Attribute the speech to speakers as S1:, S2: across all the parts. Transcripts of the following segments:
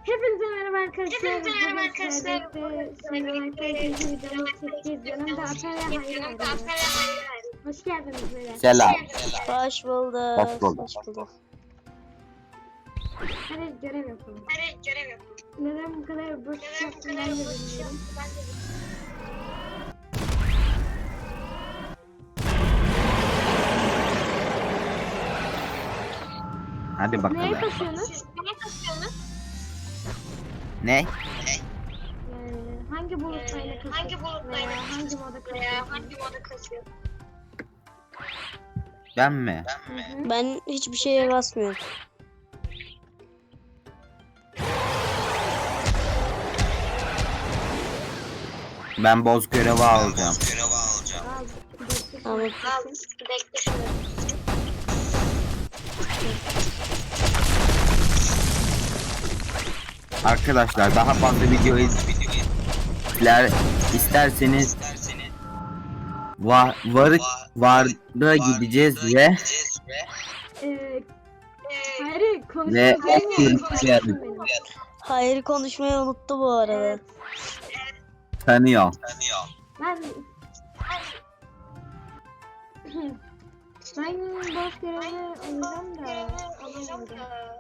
S1: Hepinize merhaba arkadaşlar. Bugün sizlerle ikinci videomu çekeceğiz. Yanımda Ata ve Hayri var. Hoş geldiniz beyler.
S2: Selam.
S3: Hoş bulduk.
S2: Hoş bulduk.
S3: Hoş bulduk.
S1: Hadi görev yapalım. Neden bu kadar boş yaptım ben de bilmiyorum.
S2: Hadi
S1: Neye
S2: bakalım.
S1: kasıyorsunuz?
S2: Ne?
S1: Hangi bulutlarla kasıyorsunuz? Veya hangi moda kasıyorsunuz?
S2: Ben mi?
S3: Ben hiçbir şeye basmıyorum.
S2: Ben boz görevi alacağım.
S3: Tamam.
S2: Arkadaşlar daha fazla video isterseniz Var'a gideceğiz ve
S1: Hayri
S2: ve
S1: konuşmayı
S3: Hayır, konuşmayı unuttu bu arada.
S2: tanıyor.
S1: Ben boş görevi alacağım da alamadım.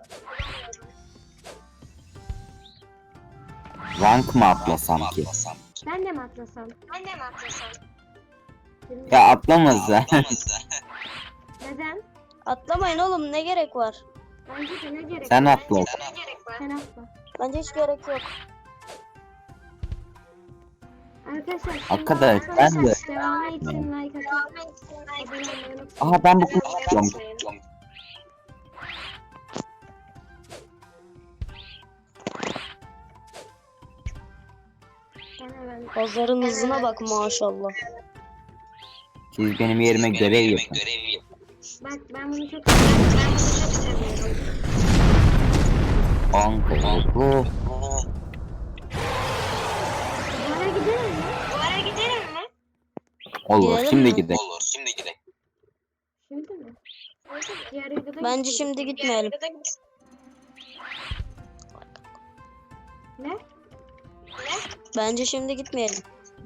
S2: Rank mı atlasam ki?
S1: Ben de mi atlasam?
S2: Ya atlamaz da.
S1: Neden?
S3: Atlamayın oğlum, ne gerek var?
S1: Bence de ne gerek
S2: Sen
S1: var?
S2: atla.
S1: Sen atla.
S3: Bence hiç gerek yok.
S1: Arkadaşlar
S2: Arkadaş, ben de.
S1: devamı için like atın. Abone olmayı unutmayın.
S2: Aha ben bu kızı istiyorum.
S1: Ben hemen
S3: Pazarın hızına bak maşallah.
S2: Siz benim yerime görev yapın.
S1: bak ben bunu çok seviyorum.
S2: Bu.
S1: Bu ara gidelim mi?
S2: Olur.
S3: Gidelim
S2: Şimdi
S3: mi?
S2: gidelim.
S1: Şimdi mi? Diğer videoda
S3: Bence
S1: gideceğiz.
S3: şimdi gitmeyelim.
S1: Ne?
S3: Bence şimdi gitmeyelim.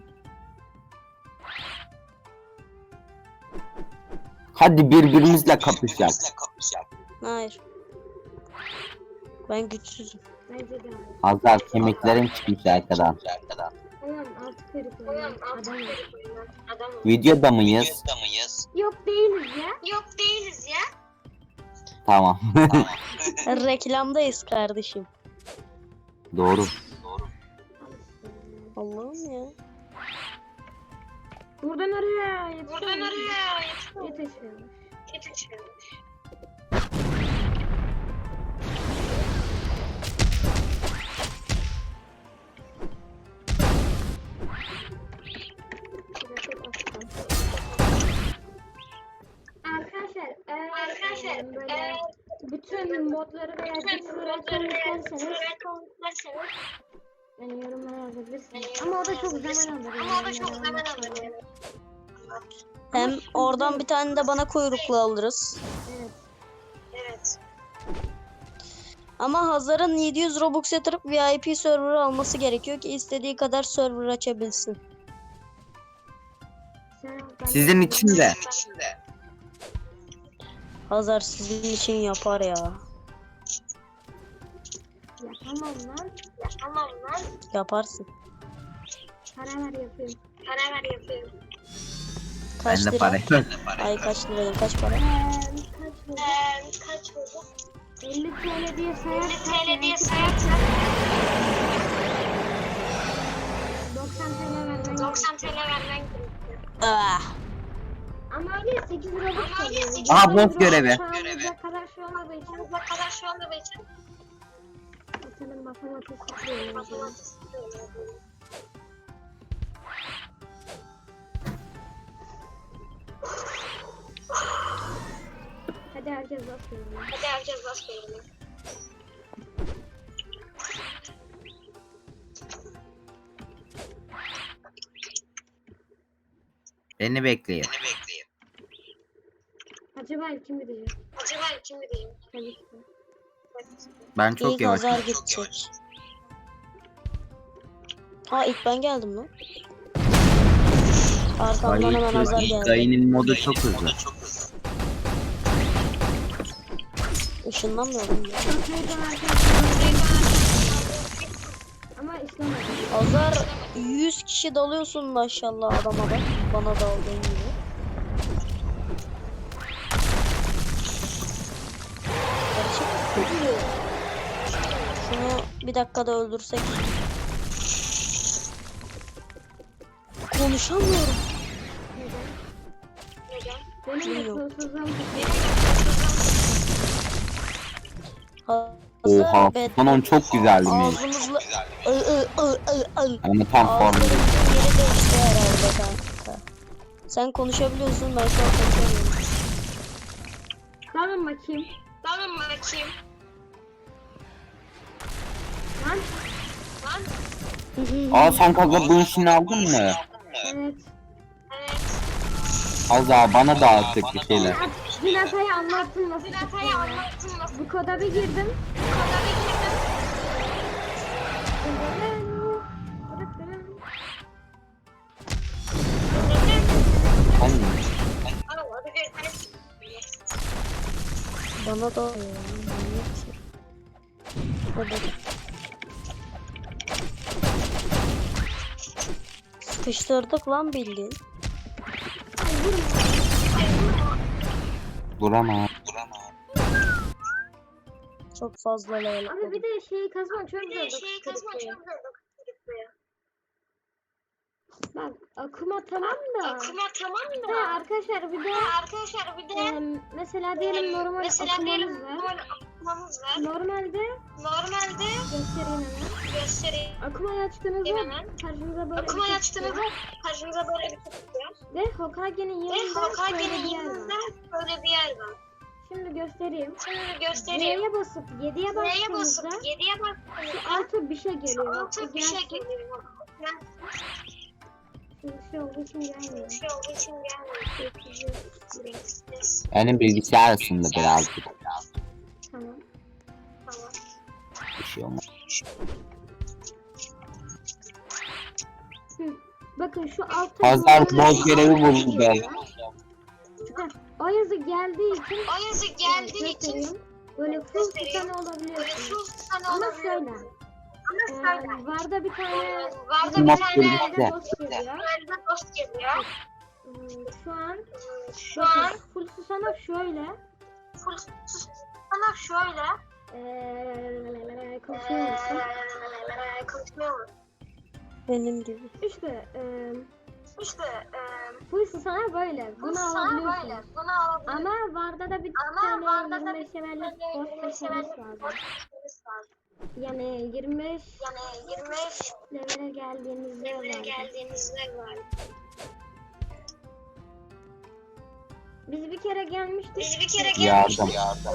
S2: Hadi birbirimizle kapışalım.
S3: Hayır. Ben güçsüzüm.
S1: Bence de.
S2: Hazar kemiklerim çıkmış arkadan.
S1: Ulan altı kırık oynayan adam var.
S2: Videoda mıyız?
S1: Yok değiliz ya.
S2: Tamam.
S3: Reklamdayız kardeşim.
S2: Doğru.
S3: Allah'ım ya.
S1: Buradan oraya yetişiyormuş. Arkadaşlar böyle bütün modları veya güçleri açalım isterseniz yani yorumlara yazabilirsiniz. Ama o da çok zaman alır.
S3: Hem oradan bir tane de bana kuyruklu alırız.
S1: Evet.
S3: Ama Hazar'ın 700 Robux yatırıp VIP server alması gerekiyor ki istediği kadar server açabilsin.
S2: Sizin için de.
S3: Hazar sizin için yapar ya.
S1: Yapamam lan.
S3: Yaparsın.
S1: Para ver yapıyorum.
S3: Kaç
S2: Ben de
S3: lira?
S2: para.
S3: Ay kaç lira? Kaç para?
S1: Kaç oldu? 50 TL diye sayarsak 90 TL vermen gerekiyor.
S3: Ah.
S1: Ama öyle 8 Robux kalıyor.
S2: Aha, boss görevi.
S1: Şu kadar şey olmadığı için senin matematik tutuyor. Hadi herkes basıyor.
S2: Beni bekleyin.
S1: Acaba kim gidecek? Tabii ki.
S2: Ben çok
S3: İlk
S2: yavaşım.
S3: Hazar gidecek. Ha ilk ben geldim lan. Arkamdan hemen Hazar geldi.
S2: Dayının modu çok hızlı.
S3: Işınlanmıyorum ya.
S1: Kafayı dönerken ama işlemedim.
S3: Hazar 100 kişi dalıyorsun maşallah adama da. Bana daldığın gibi. Gerçek. Şunu bir dakikada öldürsek. Konuşamıyorum.
S1: Benim de
S3: Bilmiyorum.
S1: kolsuzluğum
S2: Oha, Fanon çok güzeldi mi?
S3: Ağzımızla
S2: Ama tam
S3: ağzımızın
S2: formda.
S3: yeri değişti herhalde kanka. Sen konuşabiliyorsun, ben şu an konuşamıyorum.
S1: Tamam bakayım. Lan.
S2: Aa, sen kanka bu işini aldın mı?
S1: Evet.
S2: Azza bana da artık bir şeyler.
S1: Dün hatayı anlattın nasıl çıktığını. Bu koda bir girdim.
S2: Hani
S3: Bana da manyak şey. Hadi. Sıkıştırdık lan bildiğin.
S2: duramam.
S3: Çok fazla level.
S1: Abi bir de şeyi kazmak çok zor. Bak akuma tamam da. Ha, arkadaşlar bir de mesela diyelim normal akumamız var. Normalde göstereyim hemen. Akumayı açtığınızda karşınıza böyle bir şey çıkıyor. Ve Hokage'nin yanında böyle bir yer var. Şimdi göstereyim. Y'ye basıp 7'ye bastığınızda şu altı bir şey geliyor. Şimdi şey olduğu için gelmiyor.
S2: Benim bilgisayar arasında birazcık.
S1: Tamam.
S2: Bir şey olmaz.
S1: Bakın şu altta
S2: Pazar boz görevi buldu be.
S1: o yazı geldiği için böyle full tutan olabiliyorsunuz. Ama şöyle. Varda bir tane
S2: Mod
S1: yerde
S2: birlikte.
S1: dost geliyor. Şu an bakın full susana şöyle. Konuşuyor musun?
S3: Benim gibi.
S1: İşte full susana böyle. Bunu alabiliyorsunuz. Ama Varda da bir tane 25 levellik boss seçmeniz lazım. Yani 25 levele geldiğinizde var. Biz bir kere gelmiştik.
S2: Yardım.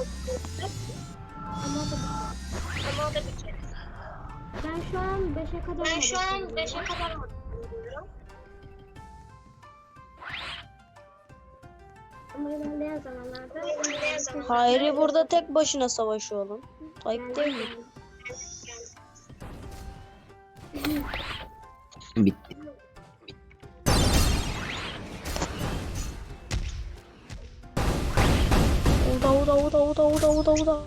S1: Ama o da bir kere. Ben şu an 5'e kadar bakıyorum. Ama ilerleyen zamanlarda
S3: Hayri burada tek başına savaşıyor oğlum. Ayıp değil mi?
S2: Bitti.
S3: Uda.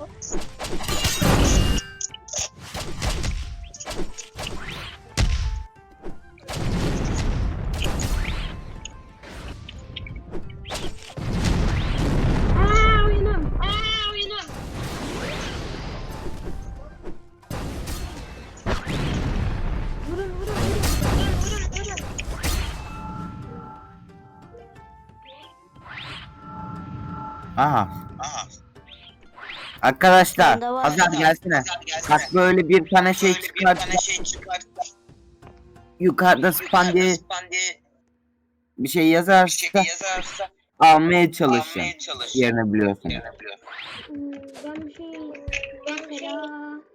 S1: oyunum. Vurun.
S2: Aha. Arkadaşlar,
S3: Bende var.
S2: Azar gelsene. Bak böyle bir tane şey çıkarttı. Yukarıda span diye bir şey yazarsa almaya çalışın. Yerini biliyorsun.
S1: Ben bir şey mesela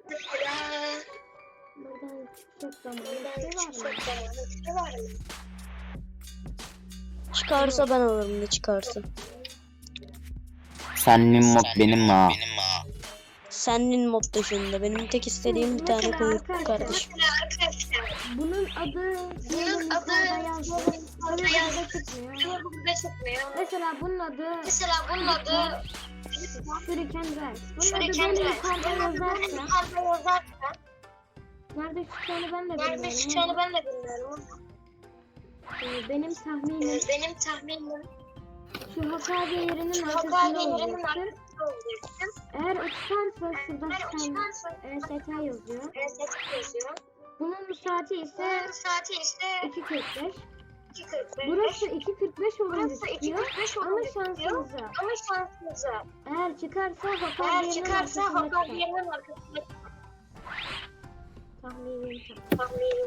S1: buradan çıkacak zaman var mı?
S3: Çıkarsa ben alırım ne çıkarsa.
S2: Sen min mod benim ha.
S3: Senin mod dışında. Benim tek istediğim bir tane
S1: Mesela
S3: kuyruk
S1: arkadaşlar,
S3: kardeşim.
S1: Bunun adı burada çıkmıyor. Mesela bunun adı Shuriken Rex. Bunun adı böyle yukarıda yazarsa nerede çıkacağını ben de bilmiyorum. Benim tahminim şu Hokage yerinin arkasında olacaktır. Eğer o çıkarsa şurada EST yazıyor. Bunun saati ise 2.45. Burası 2.45 olunca çıkıyor ama şansınıza. Eğer çıkarsa Hokage yerinin arkasında çıkar. Tahminim.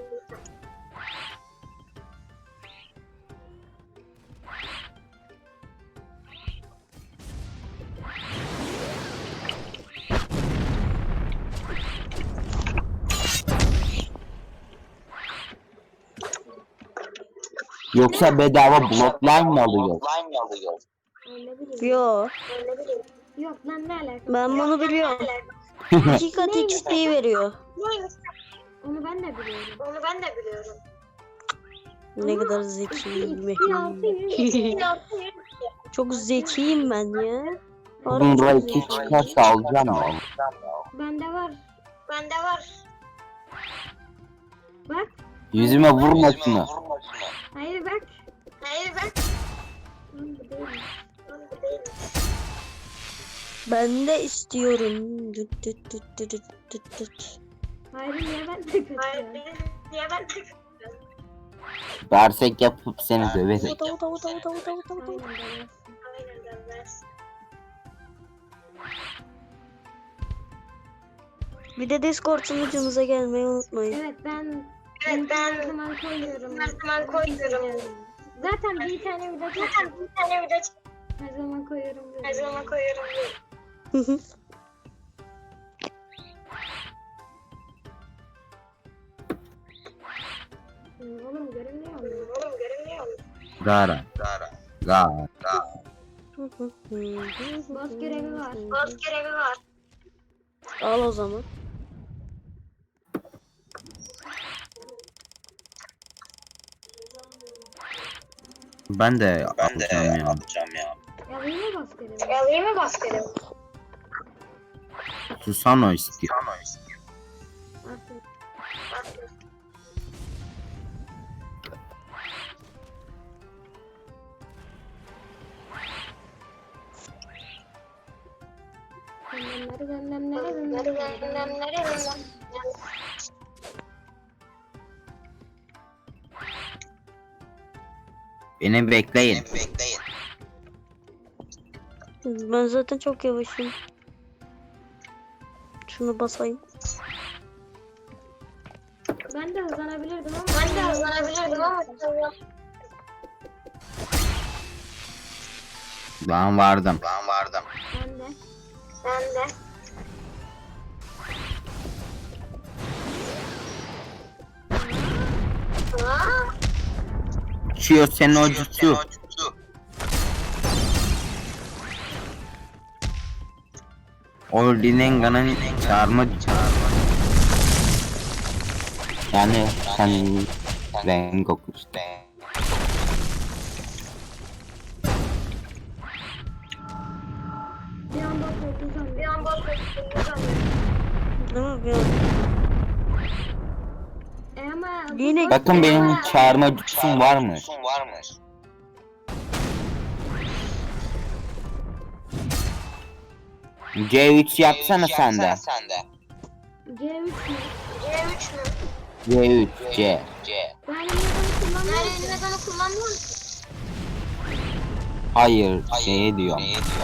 S2: Yoksa bedava blockline mı alıyor?
S1: Ne bileyim.
S3: Yo,
S1: Yok lan ne alaka?
S3: ben bunu biliyorum. 2 kat XP veriyor.
S1: Onu ben de biliyorum.
S3: Ne kadar zekiyim.
S1: XP
S3: Çok zekiyim ben ya.
S2: Bunun
S3: Harbi çok
S2: iki
S3: zekiyim.
S2: çıkarsa alacağım ya.
S1: Bende var. Bak.
S2: Yüzüme vurma şunu.
S1: Hayır bak. Lan bu değil.
S3: Ben de istiyorum. Düt düt düt düt düt düt düt.
S1: Hayır niye ben de kaçıyorum?
S2: Dersek yapıp seni döveriz.
S1: Aynen dönmez.
S3: Bir de Discord sunucumuza gelmeyi unutmayın.
S1: Evet ben her zaman koyuyorum. Zaten bir tane video çektim. Her zaman koyuyorum. Oğlum görünmüyor mu?
S2: Gara.
S1: Boss görevi var.
S3: Al o zaman.
S2: Ben de yapacağım ya.
S1: Yalayayım mı boss görevi?
S2: Susano istiyor.
S1: Aferin.
S2: Beni bekleyin.
S3: Ben zaten çok yavaşım. Şunu basayım.
S1: Ben de hızlanabilirdim ama.
S2: Ben vardım.
S1: Ben de.
S2: Uçuyor senin o jutsu. O Rinnegan'ın çağırma. Yani sen Rengoku işte.
S1: Bir anda korktum.
S3: Değil mi? Bir
S1: Ama
S3: Yine
S2: Bakın benim çağırma jutsum var mı? C3 yapsana sen de.
S1: C3 mü?
S2: C3 C.
S1: Ben Rinnegan'ı kullanmıyorum.
S2: Hayır şey diyor.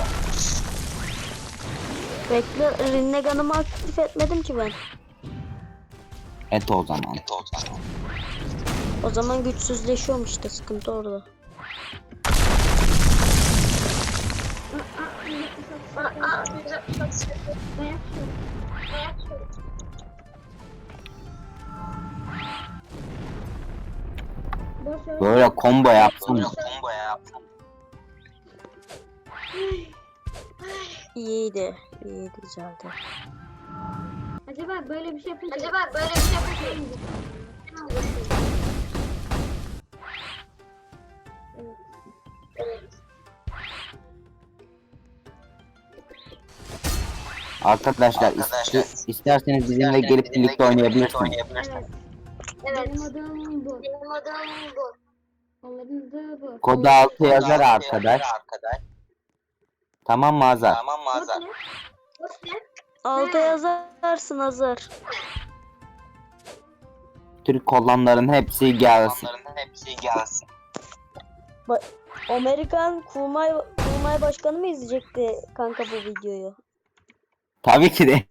S3: bekle, Rinnegan'ımı aktif etmedim ki ben.
S2: Et o zaman.
S3: O zaman güçsüzleşiyorum işte, sıkıntı orada.
S2: Böyle combo yapsın.
S3: İyiydi, güzeldi.
S1: Acaba böyle bir şey yapınca... Evet.
S2: Arkadaşlar isterseniz bizimle gelip birlikte oynayabilirsiniz.
S1: Evet. Benim adım bu. Onların adı bu.
S2: Kodu 6 yazar arkadaş. Tamam mı Azar?
S1: Kod ne?
S3: Alta yazarsın Hazar.
S2: Türk kolonların hepsi gelsin.
S3: Amerikan kurmay başkanı mı izleyecekti kanka bu videoyu?
S2: Tabii ki de.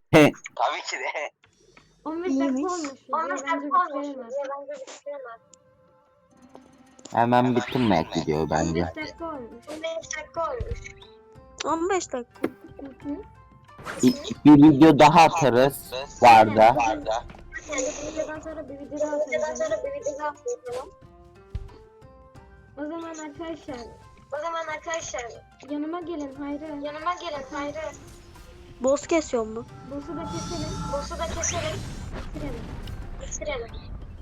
S1: 15
S3: İyiymiş.
S1: dakika olmuş. Bence bitirelim.
S2: Hemen bitirmek gidiyor
S1: 15
S2: bence.
S1: dakika olmuş.
S3: 15 dakika.
S1: Hı.
S2: Bir video daha atarız varda.
S1: Bu videodan sonra bir video daha atacağım. O zaman arkadaşlar yanıma gelin Hayri.
S3: Boss kesiyor mu?
S1: Boss'u da keselim. Bitirelim.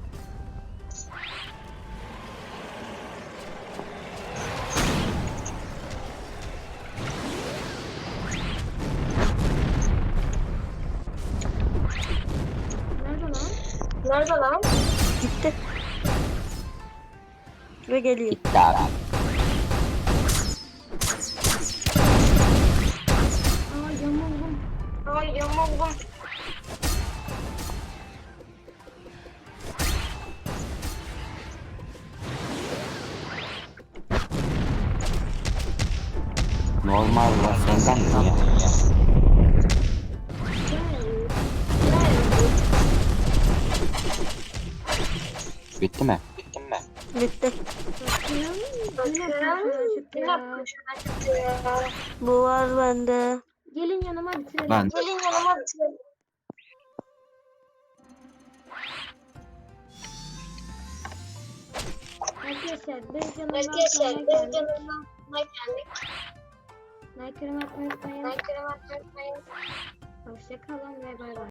S1: Nerede lan?
S3: Gitti. Ve geliyor.
S2: Bitti abi.
S1: Ay yamuldum.
S2: Normal var senden mi ya? Bitti mi?
S3: Bitti.
S1: Bakın.
S3: Bu var bende.
S1: Gelin yanıma bitirelim.
S2: Ben.
S1: Arkadaşlar biz yanıma like atmayı unutmayın. Hoşça kalın ve bay bay.